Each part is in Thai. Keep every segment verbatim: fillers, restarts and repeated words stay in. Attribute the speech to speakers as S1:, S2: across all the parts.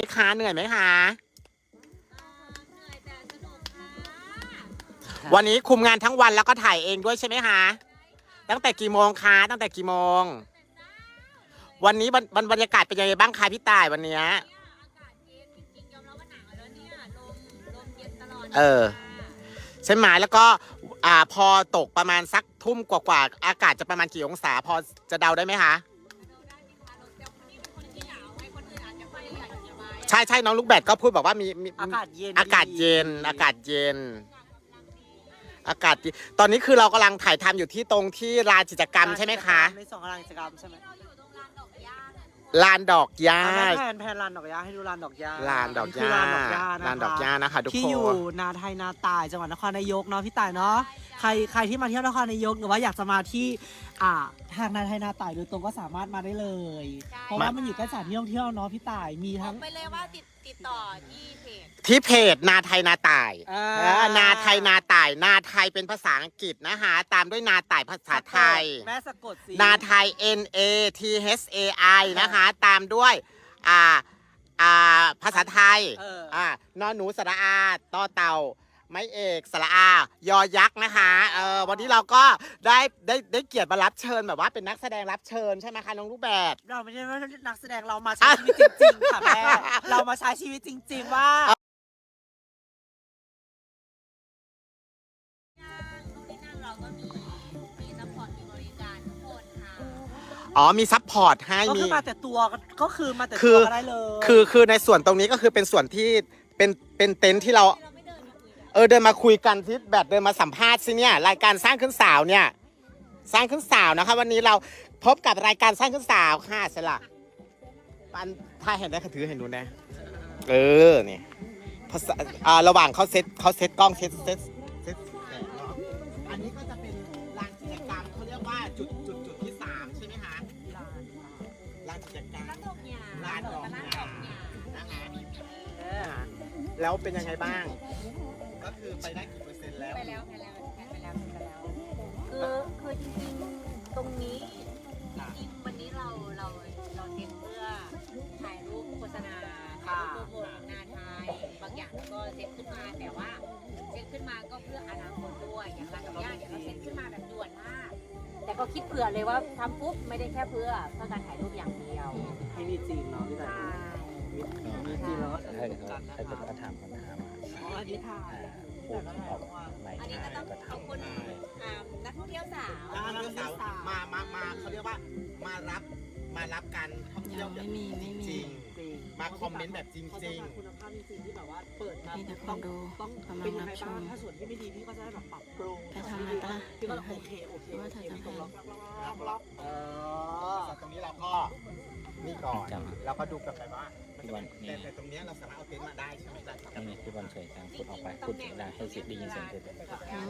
S1: คะเหนื่อยไหมคะ
S2: เหนื่อยแต่สนุกค่ะ
S1: วันนี้คุมงานทั้งวันแล้วก็ถ่ายเองด้วยใช่ไหมคะตั้งแต่กี่โมงคะตั้งแต่กี่โมงวันนี้บรรบรรยากาศเป็นยังไงบ้างคะพี่ต่ายวันนี้
S2: อากาศเย็นจริงๆยอมรับว่าหนาวแล้วเนี่ยลมลมเย็นตลอด
S1: เออใช่ไหมแล้วก็อ่าพอตกประมาณสักทุ่มกว่าๆอากาศจะประมาณกี่องศาพอจะเดาได้ไหมคะใช่ใช่น้องลูกแบดก็พูดบอกว่ามีมี
S3: อากาศเย็น
S1: อากาศเย็นอากาศเย็น อากาศดีตอนนี้คือเรากำลังถ่ายทำอยู่ที่ตรงที่ลานกิจกรรมใช่ไหมคะ
S3: ในสองลานกิจกรรมใช่ไหม
S2: เราอยู่ตรงลานดอกหญ้า
S1: ลานดอกหญ้า
S3: แผนแผนลานดอกหญ้าให้ดูลานดอกหญ้า
S1: ลานดอกหญ้า
S3: ลานดอกหญ้า
S1: ลานดอกหญ้านะคะทุกคน
S3: ที่อยู่นาไทยนาตายจังหวัดนครนายกเนาะพี่ต่ายเนาะใครใครที่มาเที่ยวนครนายกหรือว่าอยากจะมาที่อ่าทางนาไทยนาตายโดยตรงก็สามารถมาได้เลย เพราะว่ามันอยู่ใกล้สถานที่ท่องเที่ยวเนาะพี่ต่ายมี
S2: บอ
S3: ทั้
S2: ก
S3: ง
S2: ไปเลยว่าติดติดต่อที่เพจ
S1: ที่เพจนาไทยนาต่าย
S3: อ่า
S1: เออนาไทยนาต่ายนาไทยเป็นภาษาอังกฤษนะคะตามด้วยนาต่ายภาษาไทย
S3: แม่สะกดสิ
S1: นาไทย N A T H A I นะคะตามด้วยอ่าอ่าภาษาไทย
S3: เออ
S1: อ่านอนหนูสระอาต่อเต่าไม้เอกสระอายอยักษ์นะคะเออวันนี้เราก็ได้ได้ได้เกียรติมารับเชิญแบบว่าเป็นนักแสดงรับเชิญใช่ไหมคะน้องลูกแบบ
S3: เราไม่ใช่ว่านักแสดงเรามาใช้ชีวิตจริงๆค่ะแม่เรามาใช้ชีวิตจริง ๆ ว่า
S2: ตรงนี้นั่งเราก็มีมีซัพพอร์ตมีบริการทุกคนค่ะ
S1: อ๋อมีซัพพอร์ตให้
S3: ก็
S1: มี
S3: คือมาแต่ตัวก็คือมาแต่
S1: คื
S3: ตั
S1: อ
S3: วก็ได้เลย
S1: คือคือในส่วนตรงนี้ก็คือเป็นส่วนที่เป็นเป็นเต็นท์ที่เรา
S2: เราไม่เดินมาคุยกัน
S1: เออเดินมาคุยกันที่แบบเดินมาสัมภาษณ์สิเนี่ยรายการสร้างขึ้นสาวเนี่ยสร้างขึ้นสาวนะคะวันนี้เราพบกับรายการสร้างขึ้นสาวค่ะสละปันถ้าเห็นได้ค่ะถือเห็นดูนะเออเนี่ยภาษาอ่าระหว่างเขาเซตเขาเซตกล้องเซตเซตเซตแสงเนาะอันนี้ก็จะเป็นลานกิจกรรมเขาเรียกว่าจุดจุดจุดที่สามใช่ไหมคะลานกิจกรรม
S2: ร้านดอกหญ้า
S1: ร้านดอกห
S2: ร้าน
S1: ญ้า
S2: ดอกหญ้า
S1: นะคะแล้วเป็นยังไงบ้าง ก็คือไปได้กี่เปอร์เซ็นต์แล้ว
S2: ไปแล้วไปแล้วไปแล้วไปแล้วคือคือจริงๆตรงนี้จริงๆวันนี้เราเราเราเซ็ตเพื่อถ่ายรูปโฆษณาถ่ายรูปโปรโมทงานไทยบางอย่างก็เซ็ตขึ้นมาแต่ว่าเซ็ตขึ้นมาก็เพื่ออนาคตด้วยอย่างร้านดอกหญ้าเนี่ยเราเซ็ตขึ้นมาแบบด่วนมาก แต่ก็คิดเผื่อเลยว่าทำปุ๊บไม่ได้แค่เพื่อเพื่อการถ่ายรูปอย่างเดียว
S3: ให้มีจริงเนาะพี่
S2: ใช่
S3: ต่ายมีจริงแล้วก็
S4: ถ้าเกิดเขาถ้าเกิดเขาถามคำถามมา
S3: อ๋ออันนี้ถ่าย
S4: พูดออกไม่
S2: อันนี้
S4: ได้
S2: ก็ต้อง
S4: ก็
S2: ขอบ
S4: ทำ
S2: คุณ
S4: ได้
S2: อ่านักท่องเที่ยวสาว
S1: แล้วนักศึกษามามามาเขาเรียกว่ามารับมารับการท่องเที่ยวแบบ
S5: ไม่มีไม่มี
S1: จริง
S3: จริง
S1: มาคอมเมนต์แบบจริงๆ
S3: เขาจะมาคุณภาพจริงๆที่แบบว่าเปิดมา
S5: มีแต่ค
S3: ต้อน ง
S5: ดู
S3: ต้อง
S5: กำลั
S3: เป็น
S5: ง
S3: ยัง
S5: รั
S3: ไง
S5: บช
S3: บ้าง
S5: ม
S3: ถ้าส่วนที่ไม่ดีพี่ก็จะได้แบบปรับปรุง
S5: ไปทำอะไรปะล่ะ
S3: พี่ก็โอเคโอเค
S5: ว่าเธอจะ
S3: ตรง
S5: ให้
S3: ล็อกล็อกล็อกล็อกเออ
S1: ตรงนี้เราก็นี่ก่อนเราก็ดูกันไปว่าแต่แต่ตรงนี้เราสามารถเอาเต็นท์มาได้ใช่ไหมจ๊ะ
S4: ถ้ามีพี่บอลสวยจังพูดออกไปพูดเสียงดังให้เสียงได้ยินเสียงเธอด้วย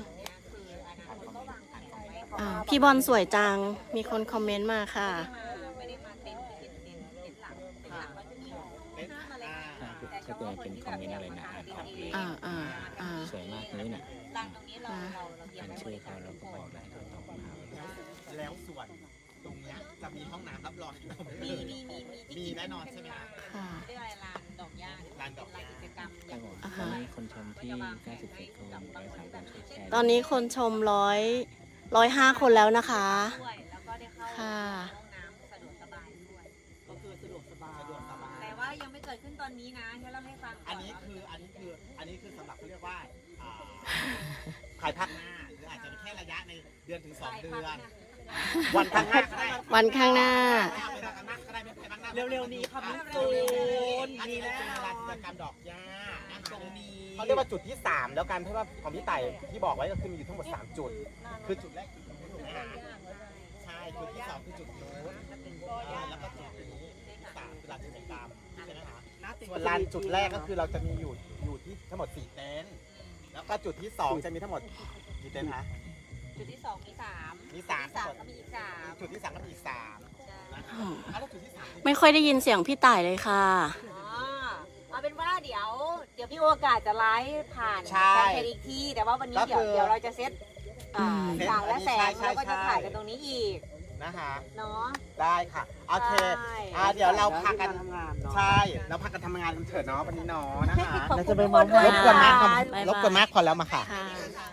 S5: อ่าพี่บอลสวยจัง มีคนคอมเมนต์มาค่ะ
S2: ไม่ได้มาเต็นท์เป็นเต็นท์เต็นท์หลักเต็นท์หลักก็จะมีห้ามาเลยค่ะ
S4: ถ้าเกิดเป็นคอมเมนต์อะไรนะอ่านออกเลย
S5: อ่าอ่าอ่า
S4: สวยมากนี้น่ะ
S2: ร้านตรงนี้เราเราเราเตรียม
S4: อ่าน
S2: ไว้บ
S4: ชื่อ
S2: ริ
S4: เขา
S2: การ
S4: แล้วก็บอกให้เขาตอบคำถาม
S1: แล้วส่วนตรงเนี้ยจะมีห้องน้ำรับรองอยู่ตรง
S2: มี
S1: นี้
S2: มีมีมี
S1: มีแน่นอนใช่ไหมคะ
S5: ค่ะ
S2: เรียกอะไรลานดอกหญ้า
S1: ลานดอกหญ้า
S2: ลานกิจกรรม
S4: ครับผมตอนนี้คนชมที่เก้าสิบเจ็ดคนร้อยสามคนช่วยแชร์
S5: ตอนนี้คนชมร้อยร้อยห้าคนแล้วนะคะ
S2: ด้วยแล้วก็ได้เข้า
S5: ค่ะ
S2: ห้องน้ำสะดวกสบายด้วย
S3: ก็คือสะดวกสบาย
S1: สะดวกสบาย
S2: แต่ว่ายังไม่เกิดขึ้นตอนนี้นะให้เราให้ฟังก่
S1: อันนี้คืออันนี้คืออันนี้คือสำหรับเขาเรียกว่าอ่าภายภาคหน้าหรืออาจจะเป็นแค่ระยะในเดือนถึงสองเดือน วันข้างหน้าก็ได้
S5: วันข้างหน้า
S1: เวลาข้างหน้าก็ได้ไม่ภายภาคหน้า
S3: เร็วๆนี้ครับพี่
S1: เร็
S3: ตู
S1: วๆ
S3: น
S1: อัน
S3: มี
S1: นี้
S3: แน่
S1: เป็น
S3: นอ
S1: ลานกิจ
S3: น
S1: กรรมดอกหญ้านะคะ
S3: ตรงนี้
S1: เขาเรียกว่าจุดที่สามแล้วกันเพราะว่าของพี่ไต่ที่บอกไว้ก็คือมีอยู่ทั้งหมดสามจุด คือจุดแรกจุดนู้นถูกไหมฮะใช่จุดที่สองคือจุดนู้นอ่าแล้วก็จุดนี้สามคือลานกิจกรรมใช่ไหมคะส่วนลานจุดแรกก็คือเราจะมีอยู่อยู่ที่ทั้งหมดสี่เต็นท์แล้วก็จุดที่สองจะมีทั้งหมดกี่เต็นท์คะ
S2: จุดที่สองมีสาม
S1: มีสาม
S2: จุดที่สามก็มีอีกสาม
S1: จุดที่สามก็มีอีกสาม
S2: ใช่
S1: นะคะ
S5: อืม
S1: อ่ะแล้วจุดที่สาม
S5: ไม่ค่อยได้ยินเสียงพี่ต่ายเลยค่ะ
S2: อ๋อเอาเป็นว่าเดี๋ยว เดี๋ยวพี่โอกาสจะไลฟ์ผ่าน
S1: ใช่
S2: แฟนเพจอีกทีแต่ว่าวันนี้
S1: ก็
S2: เดี๋ยว
S1: คือ
S2: เดี๋ยวเราจะเซตอ่า
S5: อืม
S2: ต่างและแสง
S1: ใช่ใช่
S2: แล้วก็จะ
S1: ใช่
S2: ถ่ายกันตรงนี้อีก
S1: นะคะ
S2: เนาะ
S1: ได้ค่ะโอเค
S2: ใช่
S1: อ่าเดี๋ยวเราพากัน
S3: ทำงานเนาะ
S1: ใช่เราพากันทำงานกันเถิดเนาะวันนี้เนาะนะคะ
S3: เราจะไปเมาร
S1: บกวนมาก
S3: ค่ะ
S1: รบกวนมากพอแล้วมาค่ะ
S5: ค่ะ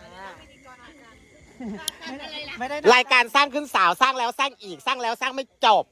S3: ไม่ได้
S1: รายการสร้างขึ้นสาวสร้างแล้วสร้างอีกสร้างแล้วสร้างไม่จบ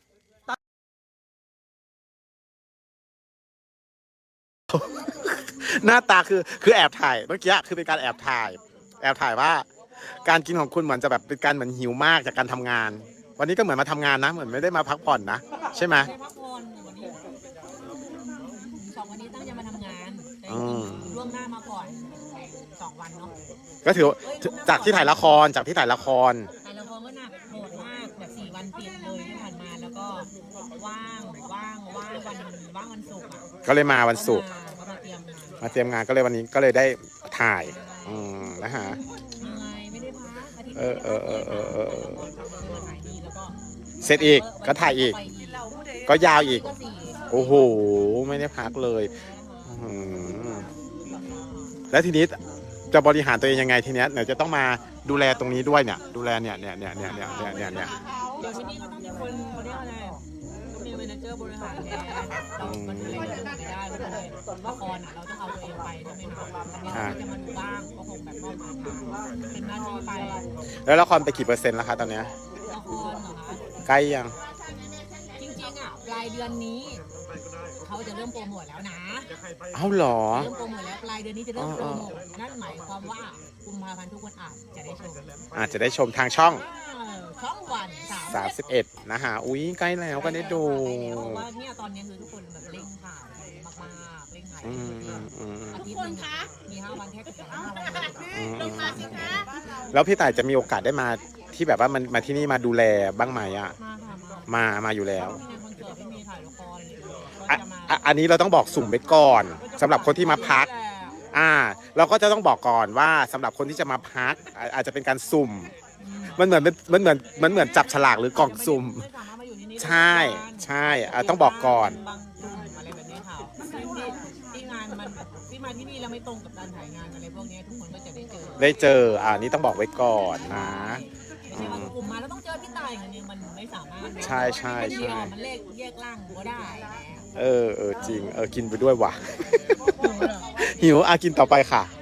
S1: หน้าตาคือคือแอบถ่ายเมื่อกี้คือเป็นการแอบถ่าย แอบถ่ายว่า การกินของคุณเหมือนจะแบบเป็นการเหมือนหิวมากจากการทำงาน วันนี้ก็เหมือนมาทำงานนะ เหมือนไม่ได้มาพักผ่อนนะใช่ไหม
S2: ได้พักผ่อนวันนี้สองวันนี้ตั้งใจมาทำงานแต่
S1: อืม
S2: ล่วงหน้ามาก่อนสองวันเนาะ
S1: ก็ถือว่าจากที่ถ่ายละครจากที่ถ่ายละคร
S2: ถ่ายละครก็หนักโหดมากแบบสี่วันติดเลยที่ผ่านมาแล้วก็ว่างว่างว่างวันว่างวันศุกร์อ่ะ
S1: ก็เลยมาวันศุกร์
S2: ก็มาเตรียมงาน
S1: มาเตรียมงานก็เลยวันนี้ก็เลยได้ถ่ายอืมนะฮะ
S2: ยังไงไม่ได้พักอาทิตย์
S1: เออเออเออเออเออ
S2: มาถ่ายนี่แล้วก็
S1: เสร็จอีกก็ถ่ายอีก ก็ยาวอีก
S2: ก็สี่
S1: โอ้โห ไม่ได้พักเลยอืมแล้วทีนี้จะบริหารตัวเองยังไงทีเนี้ยเนี่ยจะต้องมาดูแลตรงนี้ด้วยเนี่ย ดูแลเนี่ยเนี่ยเนี่ยเนี่ยเนี่ยเนี่ยเนี่ยเนี่ย
S2: เดี๋ยวที่นี่ก็ต้องมีคนเขาเรียกอะไรต้องมีเมนเจอร์บริหารแทนเรามันดูแลเรื่องไม่ได้เราดูแลละครอ่ะเราต้องเอาตัวเองไปใช่ไหมคะเราจะมาดูบ้างก็คงแบบมอบหมายเป็นหน้าที่ไป
S1: แล้วละครไปกี่เปอร์เซ็นต์แล้วคะตอนเนี้ย
S2: ละครเหรอคะ
S1: ใกล้ยัง
S2: จริงๆอ่ะปลายเดือนนี้เขาจะเริ่มโปรโมทแล้วนะ
S1: เอ้าเหรอ
S2: เริ่มโปรโมทแล้วปลายเดือนนี้จะเริ่มโปรโมทนั่นหมายความว่ากุมภาพันธ์ทุกคนอาจจะได้ชม
S1: อาจจะได้ชมทางช่อง
S2: อ่าช่องวันสาม
S1: สามสิบเอ็ดนะฮะอุ้ยใกล้แล้วก็ได้ดู
S2: เพราะว่าเนี่ยตอนนี้คือทุกคนแบบเร่งถ่ายมากๆเร่งถ่าย
S1: อืมอืมอืม
S2: อาทิตย์หนึงอะมีห้าวันแทบจะห้าวันเลย
S1: อืมอืมแล้วพี่ต่ายจะมีโอกาสได้มาที่แบบว่ามันมาที่นี่มาดูแลบ้างไหมอ่ะ
S2: มาค่ะมา
S1: มา มาอยู่แล้ว
S2: มีงานคอนเสิร์ตไม่มีถ่ายละครอะไรอย่างเงี้ย
S1: อ่ะ
S2: ก็จะมา
S1: อ่ะอันนี้เราต้องบอกสุ่มไปก่อนสำหรับคนที่มาพัก อ่า เราก็จะต้องบอกก่อนว่าสำหรับคนที่จะมาพักอ่ะอาจจะเป็นการสุ่ม มันเหมือนมันเหมือนมันเหมือนจับฉลากหรือกล่องสุ่ม
S2: ไสามารถมาอยู่ที่นี่ได้
S1: ใช่ใช่อ่ะต้องบอกก่อน
S2: บางกลุ่มอะไรแบบนี้ค่ะที่ที่งานมันที่มาที่นี่แล้วไม่ตรงกับการถ่ายงานอะไรพวกนี้ทุกคนก็จะได้เจอ
S1: ได้เจอ อ่านี่ต้องบอกไว้ก่อนนะ
S2: ไม่ใช่ว่ากลุ่มมาแล้วต้องเจอพี่ตายอย่างนี้มันไม่สามารถ
S1: ใช่ใช่ใช่
S2: เดียวมันเลขแยกล่างก็ได้นะ
S1: เออเออจริง เออ กินไปด้วยว่ะ หิวอ่ะกินต่อไปค่ะ